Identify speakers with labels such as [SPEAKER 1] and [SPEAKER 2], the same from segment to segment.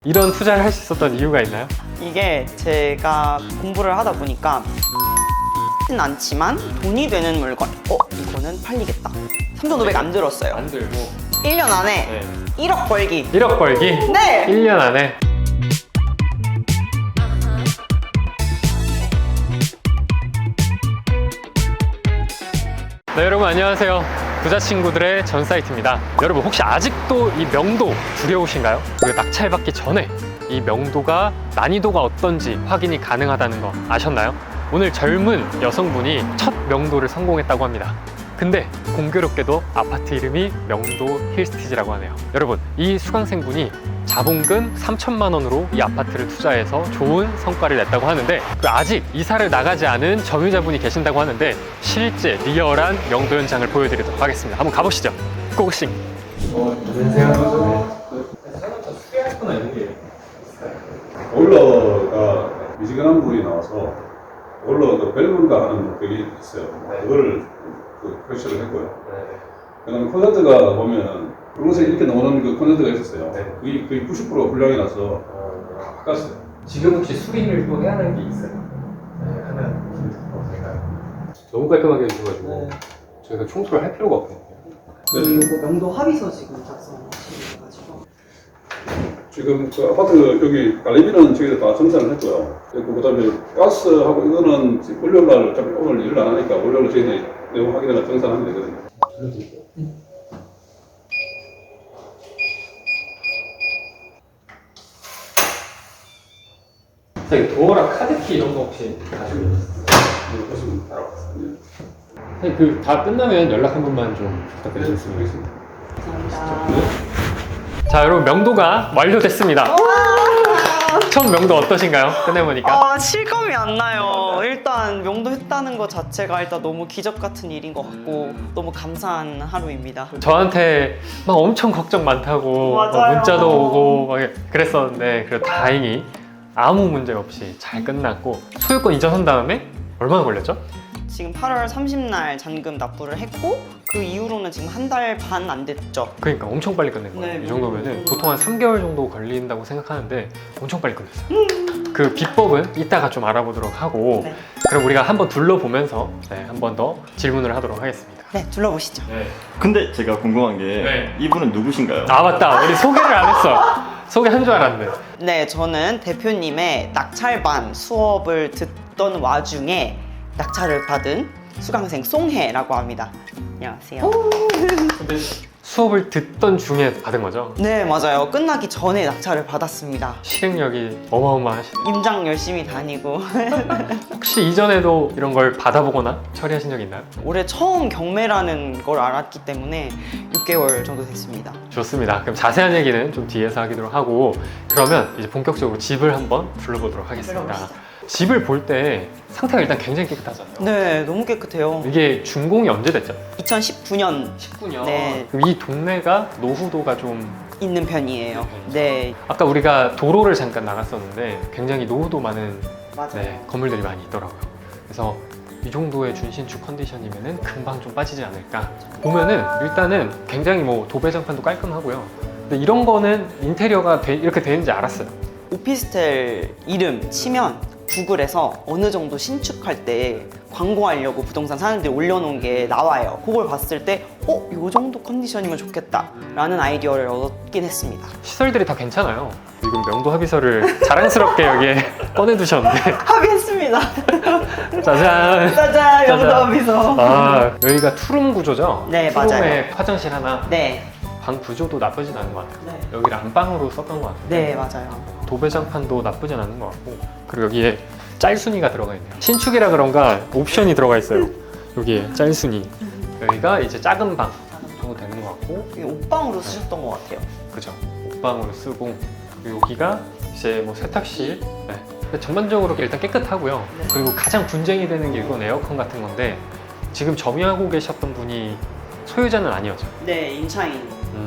[SPEAKER 1] 이런 투자를 할 수 있었던 이유가 있나요?
[SPEAKER 2] 이게 제가 공부를 하다 보니까 는 않지만 돈이 되는 물건 이거는 팔리겠다. 3,500 안 들었어요.
[SPEAKER 1] 안 들고
[SPEAKER 2] 1년 안에
[SPEAKER 1] 네.
[SPEAKER 2] 1억 벌기.
[SPEAKER 1] 1억 벌기?
[SPEAKER 2] 네!
[SPEAKER 1] 1년 안에. 네, 여러분 안녕하세요. 부자 친구들의 전 사이트입니다. 여러분 혹시 아직도 이 명도 두려우신가요? 우리가 낙찰받기 전에 이 명도가 난이도가 어떤지 확인이 가능하다는 거 아셨나요? 오늘 젊은 여성분이 첫 명도를 성공했다고 합니다. 근데 공교롭게도 아파트 이름이 명도 힐스티지라고 하네요. 여러분, 이 수강생분이 자본금 3천만 원으로 이 아파트를 투자해서 좋은 성과를 냈다고 하는데 아직 이사를 나가지 않은 점유자분이 계신다고 하는데 실제 리얼한 명도 현장을 보여드리도록 하겠습니다. 한번 가보시죠. 고고싱. 안녕하세요. 사연자 수리할 거나 이런 게 있을까요?
[SPEAKER 3] 보일러가 미지근한 물이 나와서 보일러 그 밸브인가 하는 그게 있어요. 그거를 표시를 했고요. 그다음에 콘센트가 보면 분홍색 이렇게 나오는 그 콘센트가 있었어요. 거의 90% 불량이 나서 다 바꿨어요.
[SPEAKER 1] 지금 혹시 수리를 또 해야 하는 게 있어요? 네, 하면 될까요? 너무 깔끔하게 해주셔가지고 저희가 청소를 할 필요가 없거든요.
[SPEAKER 2] 그리고 명도 합의서 지금 작성하셔가지고
[SPEAKER 3] 지금 그 아파트 여기 관리비는 저희가 다 정산을 했고요. 그다음에 가스하고 이거는 월요일날 어차피 오늘 일을 안 하니까 월요일 저희들이 내용 확인해서 정산하면 되거든요.
[SPEAKER 1] 선생님, 도어랑 카드키 이런 거 혹시 가지고 계셨어요?
[SPEAKER 3] 보시면 따라왔습니다.
[SPEAKER 1] 선생님, 그 다 끝나면 연락 한 번만 좀 부탁드리겠습니다. 자, 여러분 명도가 완료됐습니다. 첫 명도 어떠신가요? 끝내보니까.
[SPEAKER 2] 실감이 안 나요. 일단 명도 했다는 것 자체가 일단 너무 기적 같은 일인 것 같고 너무 감사한 하루입니다.
[SPEAKER 1] 저한테 막 엄청 걱정 많다고 막
[SPEAKER 2] 맞아요.
[SPEAKER 1] 문자도 오고 막 그랬었는데 그래도 다행히 아무 문제 없이 잘 끝났고 소유권 이전한 다음에 얼마나 걸렸죠?
[SPEAKER 2] 지금 8월 30날 잔금 납부를 했고 그 이후로는 지금 한 달 반 안 됐죠.
[SPEAKER 1] 그러니까 엄청 빨리 끝낸 거예요.
[SPEAKER 2] 네,
[SPEAKER 1] 이 정도면은 보통 한 3개월 정도 걸린다고 생각하는데 엄청 빨리 끝냈어요. 그 비법은 이따가 좀 알아보도록 하고
[SPEAKER 2] 네.
[SPEAKER 1] 그럼 우리가 한번 둘러보면서 한 번 더 질문을 하도록 하겠습니다.
[SPEAKER 2] 네, 둘러보시죠.
[SPEAKER 4] 근데 제가 궁금한 게
[SPEAKER 1] 네.
[SPEAKER 4] 이분은 누구신가요?
[SPEAKER 1] 아 맞다, 우리 소개를 안 했어. 소개한 줄 알았는데.
[SPEAKER 2] 네, 저는 대표님의 낙찰반 수업을 듣던 와중에 낙찰을 받은 수강생 송혜라고 합니다. 안녕하세요.
[SPEAKER 1] 근데 수업을 듣던 중에 받은 거죠?
[SPEAKER 2] 네, 맞아요. 끝나기 전에 낙찰을 받았습니다.
[SPEAKER 1] 실행력이 어마어마하시죠.
[SPEAKER 2] 임장 열심히 다니고
[SPEAKER 1] 혹시 이전에도 이런 걸 받아보거나 처리하신 적 있나요?
[SPEAKER 2] 올해 처음 경매라는 걸 알았기 때문에 6개월 정도 됐습니다.
[SPEAKER 1] 좋습니다. 그럼 자세한 얘기는 좀 뒤에서 하기로 하고 그러면 이제 본격적으로 집을 한번 둘러보도록 하겠습니다.
[SPEAKER 2] 둘러보시죠.
[SPEAKER 1] 집을 볼 때 상태가 일단 굉장히 깨끗하잖아요.
[SPEAKER 2] 네, 너무 깨끗해요.
[SPEAKER 1] 이게 준공이 언제 됐죠?
[SPEAKER 2] 2019년
[SPEAKER 1] 19년.
[SPEAKER 2] 네.
[SPEAKER 1] 그럼 이 동네가 노후도가 좀
[SPEAKER 2] 있는 편이에요. 네,
[SPEAKER 1] 아까 우리가 도로를 잠깐 나갔었는데 굉장히 노후도 많은
[SPEAKER 2] 맞아요.
[SPEAKER 1] 건물들이 많이 있더라고요. 그래서 이 정도의 준신축 컨디션이면은 금방 좀 빠지지 않을까. 보면은 일단은 굉장히 뭐 도배장판도 깔끔하고요. 근데 이런 거는 인테리어가 이렇게 되는지 알았어요.
[SPEAKER 2] 오피스텔 이름 치면 구글에서 어느 정도 신축할 때 광고하려고 부동산 사람들이 올려놓은 게 나와요. 그걸 봤을 때 이 정도 컨디션이면 좋겠다 라는 아이디어를 얻긴 했습니다.
[SPEAKER 1] 시설들이 다 괜찮아요. 지금 명도 합의서를 자랑스럽게 여기에 꺼내두셨는데
[SPEAKER 2] 합의했습니다.
[SPEAKER 1] 짜잔!
[SPEAKER 2] 짜잔,
[SPEAKER 1] 짜잔.
[SPEAKER 2] 명도 합의서.
[SPEAKER 1] 아, 여기가 투룸 구조죠?
[SPEAKER 2] 네,
[SPEAKER 1] 투룸에
[SPEAKER 2] 맞아요.
[SPEAKER 1] 화장실 하나,
[SPEAKER 2] 네,
[SPEAKER 1] 방 구조도 나쁘진 않은 것 같아요.
[SPEAKER 2] 네.
[SPEAKER 1] 여기를 안방으로 썼던 것 같아요.
[SPEAKER 2] 네, 맞아요.
[SPEAKER 1] 도배장판도 나쁘진 않은 것 같고 그리고 여기에 짤순이가 들어가 있네요. 신축이라 그런가 옵션이 들어가 있어요. 여기에 짤순이. 여기가 이제 작은 방 정도 되는 것 같고
[SPEAKER 2] 이게 옷방으로 쓰셨던 것 같아요.
[SPEAKER 1] 그죠. 옷방으로 쓰고 그리고 여기가 이제 뭐 세탁실. 네. 근데 전반적으로 일단 깨끗하고요.
[SPEAKER 2] 네.
[SPEAKER 1] 그리고 가장 분쟁이 되는 게 이건 에어컨 같은 건데 지금 점유하고 계셨던 분이 소유자는 아니었죠.
[SPEAKER 2] 네, 임차인.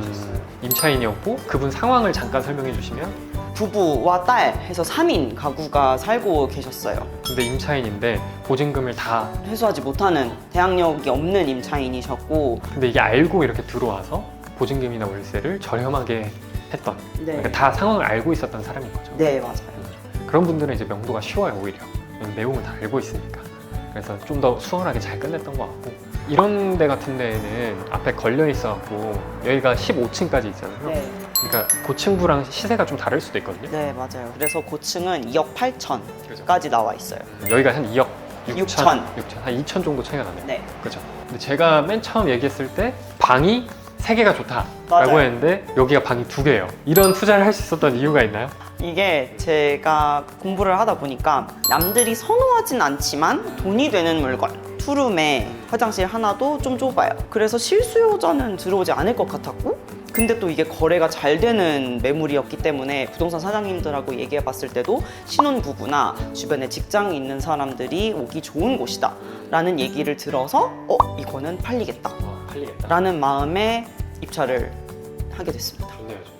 [SPEAKER 1] 임차인이었고 그분 상황을 잠깐 설명해 주시면.
[SPEAKER 2] 부부와 딸 해서 3인 가구가 살고 계셨어요.
[SPEAKER 1] 근데 임차인인데 보증금을 다
[SPEAKER 2] 회수하지 못하는 대항력이 없는 임차인이셨고
[SPEAKER 1] 근데 이게 알고 이렇게 들어와서 보증금이나 월세를 저렴하게 했던
[SPEAKER 2] 네.
[SPEAKER 1] 그러니까 다 상황을 알고 있었던 사람인 거죠.
[SPEAKER 2] 네, 맞아요.
[SPEAKER 1] 그런 분들은 이제 명도가 쉬워요, 오히려. 내용을 다 알고 있으니까. 그래서 좀 더 수월하게 잘 끝냈던 것 같고, 이런 데 같은 데에는 앞에 걸려 있어갖고 여기가 15층까지 있잖아요.
[SPEAKER 2] 네.
[SPEAKER 1] 그러니까 고층부랑 시세가 좀 다를 수도 있거든요.
[SPEAKER 2] 네, 맞아요. 그래서 고층은 2억 8천까지
[SPEAKER 1] 그죠?
[SPEAKER 2] 나와 있어요.
[SPEAKER 1] 여기가 한 2억
[SPEAKER 2] 6천.
[SPEAKER 1] 한 2천 정도 차이가 나네요.
[SPEAKER 2] 네.
[SPEAKER 1] 그죠? 근데 제가 맨 처음 얘기했을 때 방이 3개가 좋다라고
[SPEAKER 2] 맞아요.
[SPEAKER 1] 했는데 여기가 방이 2개예요. 이런 투자를 할 수 있었던 이유가 있나요?
[SPEAKER 2] 이게 제가 공부를 하다 보니까 남들이 선호하진 않지만 돈이 되는 물건. 투룸에 화장실 하나도 좀 좁아요. 그래서 실수요자는 들어오지 않을 것 같았고, 근데 또 이게 거래가 잘 되는 매물이었기 때문에 부동산 사장님들하고 얘기해 봤을 때도 신혼부부나 주변에 직장이 있는 사람들이 오기 좋은 곳이다 라는 얘기를 들어서 이거는 팔리겠다
[SPEAKER 1] 팔리겠다.
[SPEAKER 2] 라는 마음에 입찰을 하게 됐습니다.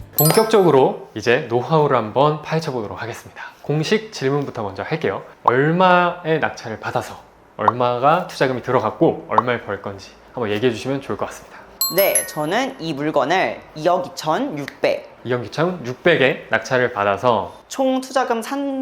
[SPEAKER 1] 본격적으로 이제 노하우를 한번 파헤쳐 보도록 하겠습니다. 공식 질문부터 먼저 할게요. 얼마의 낙찰을 받아서 얼마가 투자금이 들어갔고 얼마를 벌 건지 한번 얘기해 주시면 좋을 것 같습니다.
[SPEAKER 2] 네, 저는 이 물건을 2억 2,600,
[SPEAKER 1] 2억 2,600에 낙찰을 받아서
[SPEAKER 2] 총 투자금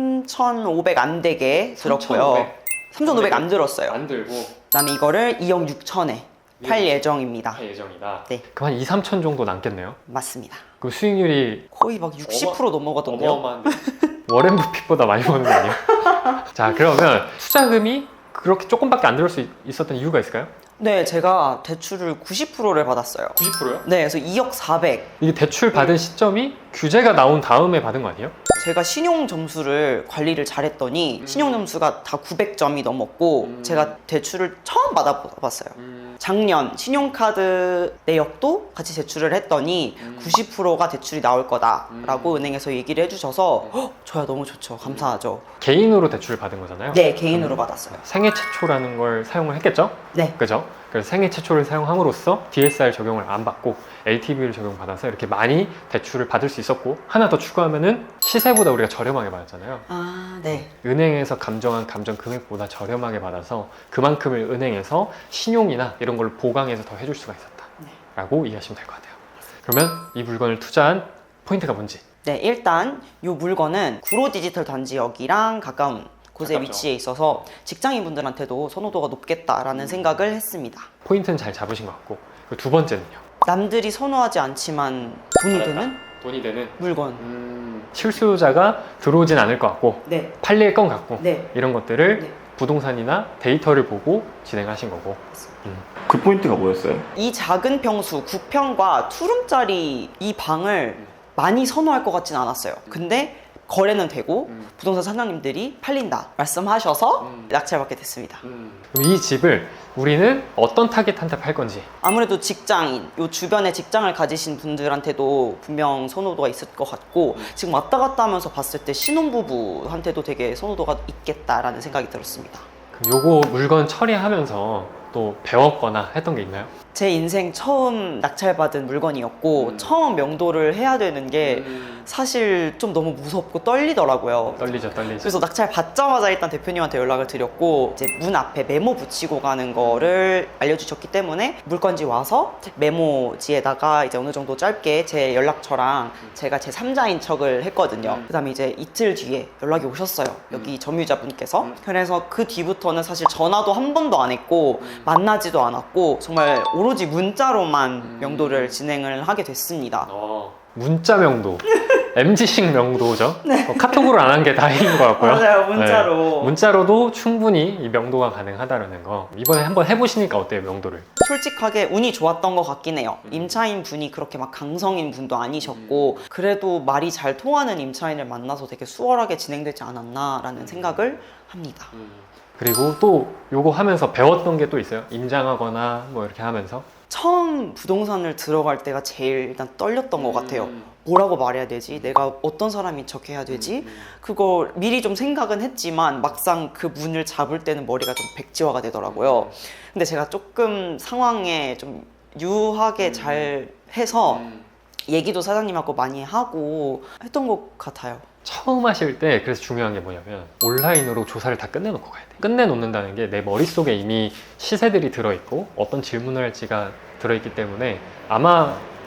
[SPEAKER 2] 3,500 안 되게 들었고요. 3,500 안 들었어요.
[SPEAKER 1] 안 들고
[SPEAKER 2] 그다음에 이거를 2억 6천에 팔 예정입니다.
[SPEAKER 1] 할 예정이다.
[SPEAKER 2] 네.
[SPEAKER 1] 그럼 한 2, 3천 정도 남겠네요.
[SPEAKER 2] 맞습니다.
[SPEAKER 1] 그럼 수익률이
[SPEAKER 2] 거의 막 60% 넘어가던데요.
[SPEAKER 1] 어마어마한데 워렌 버핏보다 많이 버는 거 아니에요? 자, 그러면 투자금이 그렇게 조금밖에 안 들을 수 있었던 이유가 있을까요?
[SPEAKER 2] 네, 제가 대출을 90%를 받았어요.
[SPEAKER 1] 90%요?
[SPEAKER 2] 네, 그래서 2억 400.
[SPEAKER 1] 이게 대출 받은 시점이 규제가 나온 다음에 받은 거 아니에요?
[SPEAKER 2] 제가 신용 점수를 관리를 잘했더니 신용 점수가 다 900점이 넘었고 제가 대출을 처음 받아봤어요. 작년 신용카드 내역도 같이 제출을 했더니 90%가 대출이 나올 거다라고 은행에서 얘기를 해주셔서 저야 너무 좋죠. 감사하죠.
[SPEAKER 1] 개인으로 대출을 받은 거잖아요.
[SPEAKER 2] 네, 개인으로 받았어요.
[SPEAKER 1] 생애 최초라는 걸 사용을 했겠죠?
[SPEAKER 2] 네.
[SPEAKER 1] 그죠? 그래서 생애 최초를 사용함으로써 DSR 적용을 안 받고 LTV를 적용받아서 이렇게 많이 대출을 받을 수 있었고, 하나 더 추가하면은 시세보다 우리가 저렴하게 받았잖아요.
[SPEAKER 2] 아, 네.
[SPEAKER 1] 은행에서 감정한 감정 금액보다 저렴하게 받아서 그만큼을 은행에서 신용이나 이런 걸 보강해서 더 해줄 수가 있었다 라고 이해하시면 될 것 같아요. 그러면 이 물건을 투자한 포인트가 뭔지.
[SPEAKER 2] 네, 일단 이 물건은 구로 디지털 단지역이랑 가까운 곳에
[SPEAKER 1] 가깝죠.
[SPEAKER 2] 위치해 있어서 직장인분들한테도 선호도가 높겠다라는 생각을 했습니다.
[SPEAKER 1] 포인트는 잘 잡으신 것 같고, 그리고 두 번째는요.
[SPEAKER 2] 남들이 선호하지 않지만 돈이 되는
[SPEAKER 1] 돈이 되는
[SPEAKER 2] 물건.
[SPEAKER 1] 실수요자가 들어오진 않을 것 같고
[SPEAKER 2] 네,
[SPEAKER 1] 팔릴 것 같고
[SPEAKER 2] 네.
[SPEAKER 1] 이런 것들을
[SPEAKER 2] 네.
[SPEAKER 1] 부동산이나 데이터를 보고 진행하신 거고.
[SPEAKER 4] 그 포인트가 뭐였어요?
[SPEAKER 2] 이 작은 평수 9평과 투룸짜리 이 방을 많이 선호할 것 같진 않았어요. 근데 거래는 되고 부동산 사장님들이 팔린다 말씀하셔서 낙찰받게 됐습니다.
[SPEAKER 1] 그럼 이 집을 우리는 어떤 타겟한테 팔 건지.
[SPEAKER 2] 아무래도 직장인, 요 주변에 직장을 가지신 분들한테도 분명 선호도가 있을 것 같고, 지금 왔다 갔다 하면서 봤을 때 신혼부부한테도 되게 선호도가 있겠다라는 생각이 들었습니다.
[SPEAKER 1] 그럼 요거 물건 처리하면서 또 배웠거나 했던 게 있나요?
[SPEAKER 2] 제 인생 처음 낙찰받은 물건이었고 처음 명도를 해야 되는 게 사실 좀 너무 무섭고 떨리더라고요.
[SPEAKER 1] 떨리죠.
[SPEAKER 2] 그래서 낙찰 받자마자 일단 대표님한테 연락을 드렸고, 이제 문 앞에 메모 붙이고 가는 거를 알려주셨기 때문에 물건지 와서 메모지에다가 이제 어느 정도 짧게 제 연락처랑 제가 제 3자인 척을 했거든요. 그 다음에 이제 이틀 뒤에 연락이 오셨어요. 여기 점유자분께서. 그래서 그 뒤부터는 사실 전화도 한 번도 안 했고 만나지도 않았고 정말 오로지 문자로만 명도를 진행을 하게 됐습니다.
[SPEAKER 1] 문자 명도. MZ식 명도죠. 카톡으로 안 한 게 다행인 것 같고요.
[SPEAKER 2] 맞아요, 문자로.
[SPEAKER 1] 네. 문자로도 충분히 이 명도가 가능하다는 거. 이번에 한번 해보시니까 어때요, 명도를?
[SPEAKER 2] 솔직하게 운이 좋았던 것 같긴 해요. 임차인 분이 그렇게 막 강성인 분도 아니셨고 그래도 말이 잘 통하는 임차인을 만나서 되게 수월하게 진행되지 않았나라는 생각을 합니다.
[SPEAKER 1] 그리고 또 요거 하면서 배웠던 게 또 있어요? 임장하거나 뭐 이렇게 하면서?
[SPEAKER 2] 처음 부동산을 들어갈 때가 제일 일단 떨렸던 것 같아요. 뭐라고 말해야 되지? 내가 어떤 사람인 척 해야 되지? 그거 미리 좀 생각은 했지만 막상 그 문을 잡을 때는 머리가 좀 백지화가 되더라고요. 근데 제가 조금 상황에 좀 유하게 잘 해서 얘기도 사장님하고 많이 하고 했던 것 같아요.
[SPEAKER 1] 처음 하실 때 그래서 중요한 게 뭐냐면 온라인으로 조사를 다 끝내놓고 가야 돼. 끝내놓는다는 게 내 머릿속에 이미 시세들이 들어있고 어떤 질문을 할지가 들어있기 때문에 아마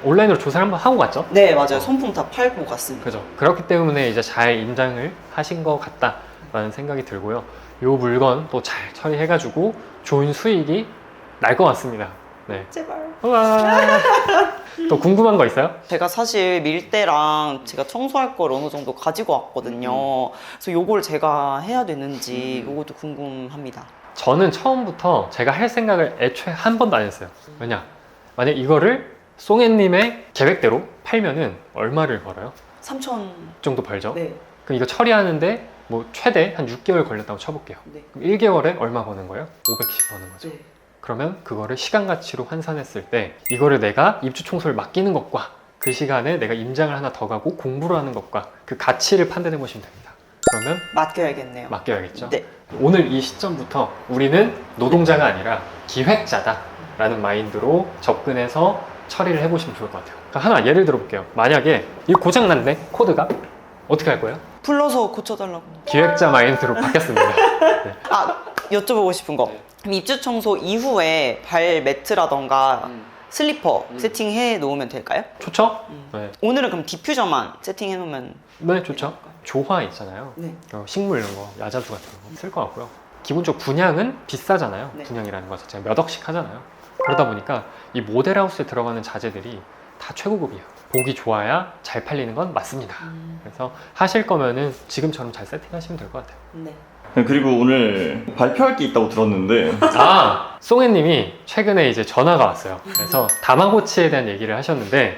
[SPEAKER 1] 온라인으로 조사를 한번 하고 갔죠?
[SPEAKER 2] 네, 맞아요. 손품 다 팔고 갔습니다.
[SPEAKER 1] 그죠. 그렇기 때문에 이제 잘 임장을 하신 것 같다라는 생각이 들고요. 요 물건 또 잘 처리해가지고 좋은 수익이 날 것 같습니다. 네.
[SPEAKER 2] 제발.
[SPEAKER 1] 우와. 또 궁금한 거 있어요?
[SPEAKER 2] 제가 사실 밀대랑 제가 청소할 걸 어느 정도 가지고 왔거든요. 그래서 요걸 제가 해야 되는지 요것도 궁금합니다.
[SPEAKER 1] 저는 처음부터 제가 할 생각을 애초에 한 번도 안 했어요. 왜냐? 만약 이거를 송혜님의 계획대로 팔면은 얼마를 벌어요?
[SPEAKER 2] 3천.
[SPEAKER 1] 정도 벌죠?
[SPEAKER 2] 네.
[SPEAKER 1] 그럼 이거 처리하는데 뭐 최대 한 6개월 걸렸다고 쳐볼게요.
[SPEAKER 2] 네.
[SPEAKER 1] 그럼 1개월에 얼마 버는 거예요? 500씩 버는 거죠.
[SPEAKER 2] 네.
[SPEAKER 1] 그러면 그거를 시간 가치로 환산했을 때 이거를 내가 입주 청소를 맡기는 것과 그 시간에 내가 임장을 하나 더 가고 공부를 하는 것과 그 가치를 판단해 보시면 됩니다. 그러면
[SPEAKER 2] 맡겨야겠네요.
[SPEAKER 1] 맡겨야겠죠.
[SPEAKER 2] 네.
[SPEAKER 1] 오늘 이 시점부터 우리는 노동자가 아니라 기획자다라는 마인드로 접근해서 처리를 해보시면 좋을 것 같아요. 그러니까 하나 예를 들어 볼게요. 만약에 이 고장 났네 코드가 어떻게 할 거예요?
[SPEAKER 2] 불러서 고쳐달라고.
[SPEAKER 1] 기획자 마인드로 바뀌었습니다. 네.
[SPEAKER 2] 아, 여쭤보고 싶은 거. 그럼 입주 청소 이후에 발 매트라던가 슬리퍼 세팅해 놓으면 될까요?
[SPEAKER 1] 좋죠? 네.
[SPEAKER 2] 오늘은 그럼 디퓨저만 세팅해 놓으면.
[SPEAKER 1] 네, 좋죠. 조화 있잖아요.
[SPEAKER 2] 네.
[SPEAKER 1] 식물 이런 거, 야자수 같은 거 쓸 것 같고요. 기본적으로 분양은 비싸잖아요.
[SPEAKER 2] 네.
[SPEAKER 1] 분양이라는 것 자체가 몇 억씩 하잖아요. 그러다 보니까 이 모델하우스에 들어가는 자재들이 다 최고급이에요. 보기 좋아야 잘 팔리는 건 맞습니다. 그래서 하실 거면은 지금처럼 잘 세팅하시면 될 것 같아요.
[SPEAKER 2] 네.
[SPEAKER 4] 그리고 오늘 발표할 게 있다고 들었는데
[SPEAKER 1] 아, 송혜님이 최근에 이제 전화가 왔어요. 그래서 다마고치에 대한 얘기를 하셨는데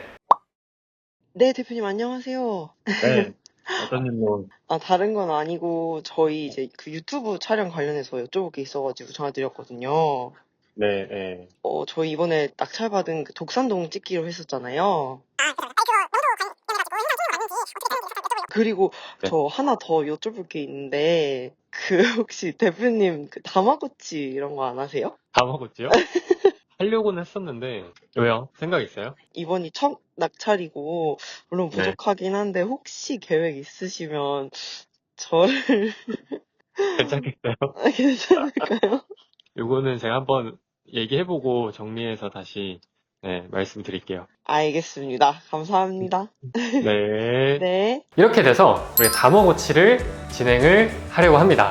[SPEAKER 5] 네, 대표님 안녕하세요.
[SPEAKER 4] 네. 어떤 일로?
[SPEAKER 5] 아, 다른 건 아니고 저희 이제 그 유튜브 촬영 관련해서 여쭤볼 게 있어가지고 전화드렸거든요.
[SPEAKER 4] 네, 네.
[SPEAKER 5] 저희 이번에 낙찰받은 그 독산동 찍기로 했었잖아요. 그리고
[SPEAKER 4] 네.
[SPEAKER 5] 저 하나 더 여쭤볼 게 있는데 그 혹시 대표님 그 다마고치 이런 거 안 하세요?
[SPEAKER 1] 다마고치요? 하려고는 했었는데 왜요? 생각 있어요?
[SPEAKER 5] 이번이 첫 낙찰이고 물론
[SPEAKER 1] 네.
[SPEAKER 5] 부족하긴 한데 혹시 계획 있으시면 저를
[SPEAKER 1] 괜찮겠어요?
[SPEAKER 5] 괜찮을까요?
[SPEAKER 1] 요거는 제가 한번 얘기해보고 정리해서 다시 말씀드릴게요.
[SPEAKER 5] 알겠습니다. 감사합니다.
[SPEAKER 1] 네.
[SPEAKER 5] 네.
[SPEAKER 1] 이렇게 돼서 우리 다마고치를 진행을 하려고 합니다.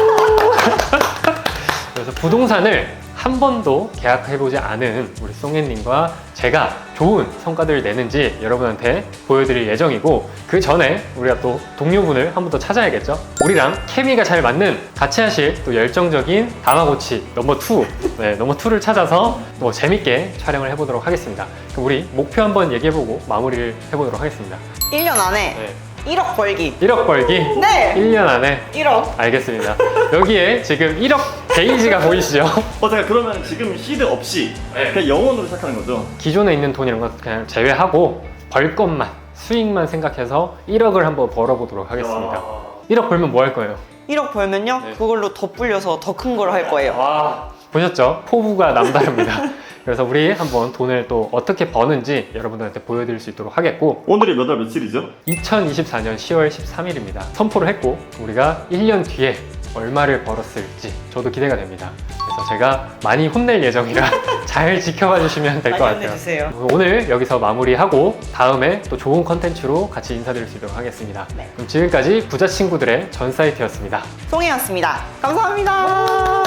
[SPEAKER 1] 그래서 부동산을 한 번도 계약해보지 않은 우리 송혜님과 제가 좋은 성과들을 내는지 여러분한테 보여드릴 예정이고 그 전에 우리가 또 동료분을 한 번 더 찾아야겠죠? 우리랑 케미가 잘 맞는 같이 하실 또 열정적인 다마고치 넘버 2 넘버 2를 찾아서 뭐 재밌게 촬영을 해보도록 하겠습니다. 그럼 우리 목표 한번 얘기해보고 마무리를 해보도록 하겠습니다.
[SPEAKER 2] 1년 안에
[SPEAKER 1] 네.
[SPEAKER 2] 1억 벌기.
[SPEAKER 1] 1억 벌기
[SPEAKER 2] 네!
[SPEAKER 1] 1년 안에
[SPEAKER 2] 1억.
[SPEAKER 1] 알겠습니다. 여기에 지금 1억 게이지가 보이시죠?
[SPEAKER 4] 제가 그러면 지금 시드 없이
[SPEAKER 1] 네.
[SPEAKER 4] 그냥 영원으로 시작하는 거죠?
[SPEAKER 1] 기존에 있는 돈 이런 거 그냥 제외하고 벌 것만 수익만 생각해서 1억을 한번 벌어보도록 하겠습니다. 1억 벌면 뭐 할 거예요?
[SPEAKER 2] 1억 벌면요?
[SPEAKER 1] 네.
[SPEAKER 2] 그걸로 더 불려서 더 큰 걸 할 거예요.
[SPEAKER 1] 와 보셨죠? 포부가 남다릅니다. 그래서 우리 한번 돈을 또 어떻게 버는지 여러분들한테 보여드릴 수 있도록 하겠고
[SPEAKER 4] 오늘이 몇 월 며칠이죠?
[SPEAKER 1] 2024년 10월 13일입니다. 선포를 했고 우리가 1년 뒤에 얼마를 벌었을지 저도 기대가 됩니다. 그래서 제가 많이 혼낼 예정이라 잘 지켜봐 주시면 될 것
[SPEAKER 2] 많이
[SPEAKER 1] 같아요.
[SPEAKER 2] 혼내주세요.
[SPEAKER 1] 오늘 여기서 마무리하고 다음에 또 좋은 컨텐츠로 같이 인사드릴 수 있도록 하겠습니다.
[SPEAKER 2] 네.
[SPEAKER 1] 그럼 지금까지 부자 친구들의 전 사이트였습니다.
[SPEAKER 2] 송혜였습니다. 감사합니다.